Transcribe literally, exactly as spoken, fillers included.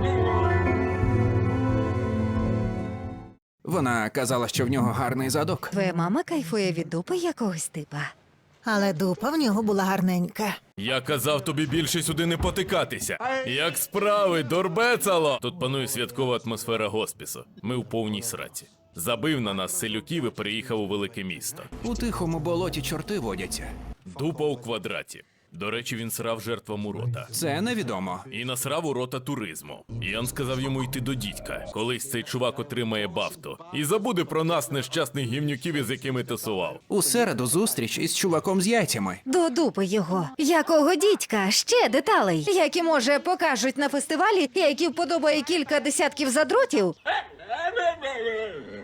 Вона казала, що в нього гарний задок. Твоя мама кайфує від дупи якогось типа. Але дупа в нього була гарненька. Я казав тобі більше сюди не потикатися. Як справи, дорбецало! Тут панує святкова атмосфера госпісу. Ми в повній сраці. Забив на нас селюків і переїхав у велике місто. У тихому болоті чорти водяться. Дупа у квадраті. До речі, він срав жертвам урота. Це невідомо. І насрав урота туризму. Ян сказав йому йти до дідька. Колись цей чувак отримає бафту. І забуде про нас, нещасних гівнюків, із якими тусував. У середу зустріч із чуваком з яйцями. До дупи його. Якого дідька? Ще деталей. Які, може, покажуть на фестивалі, і які вподобає кілька десятків задротів.